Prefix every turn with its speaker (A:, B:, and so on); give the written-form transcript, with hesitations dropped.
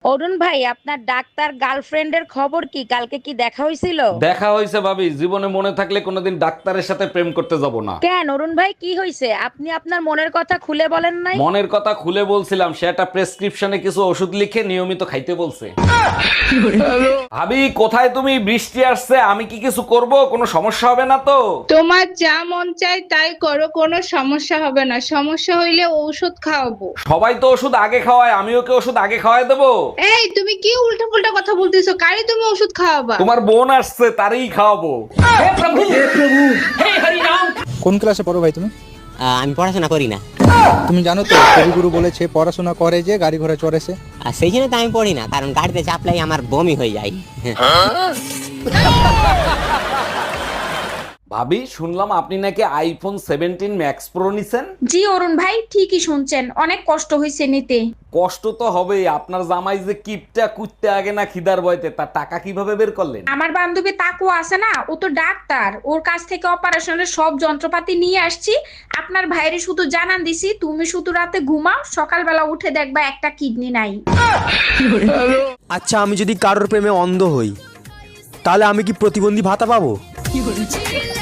A: অরুণ ভাই, আপনার ডাক্তার গার্লফ্রেন্ডের খবর কি? কালকে কি দেখা হয়েছিল?
B: দেখা হয়েছে ভাবি, জীবনে মনে থাকলে কোনোদিন ডাক্তারের সাথে প্রেম করতে যাব না।
A: কেন অরুণ ভাই, কি হয়েছে? আপনি আপনার মনের কথা খুলে বলেন নাই?
B: মনের কথা খুলে বলছিলাম, সে একটা প্রেসক্রিপশনে কিছু ওষুধ লিখে নিয়মিত খাইতে বলছে। ভাবি কোথায় তুমি? বৃষ্টি আসছে, আমি কি কিছু করব? কোনো সমস্যা হবে না তো?
C: তোমার যা মন চায় তাই করো, কোনো সমস্যা হবে না। সমস্যা হইলে ঔষধ খাওয়াবো।
B: সবাই তো ওষুধ আগে খাওয়ায়, আমিও কি ওষুধ আগে খাওয়াই দেবো?
C: এই তুমি কি উল্টা পুল্টা কথা বলতেছো? কারে তুমি ওষুধ খাওয়াবা?
B: তোমার বোন আসছে, তারই খাওয়াবো।
D: কোন ক্লাসে পড়ো ভাই তুমি?
E: আমি পড়াশোনা করি না।
D: তুমি জানো তো কবিগুরু বলেছে পড়াশোনা করে যে গাড়ি ঘোড়া চড়েছে।
E: আর সেই জন্য তো আমি পড়ি না, কারণ গাড়িতে চাপলাই আমার বমি হয়ে যায়।
B: ভাবি শুনলাম আপনি নাকি আইফোন 17 ম্যাক্স প্রো নিছেন।
F: জি অরুণ ভাই, ঠিকই শুনছেন, অনেক কষ্ট হয়েছে নিতে।
B: কষ্ট তো হবেই, আপনার জামাই যে কিপটা কুত্তে আগে না খিদার বয়তে, তার টাকা কিভাবে বের করলেন?
F: আমার বান্ধবী তাকু আছে না, ও তো ডাক্তার, ওর কাছ থেকে অপারেশনের সব যন্ত্রপাতি নিয়ে আসছি। আপনার ভাইরে শুধু জানান দিছি, তুমি শুধু রাতে ঘুমাও, সকালবেলা উঠে দেখবা একটা কিডনি নাই।
G: আচ্ছা, আমি যদি কারোর প্রেমে অন্ধ হই, তাহলে আমি কি প্রতিবন্ধী ভাতা পাবো?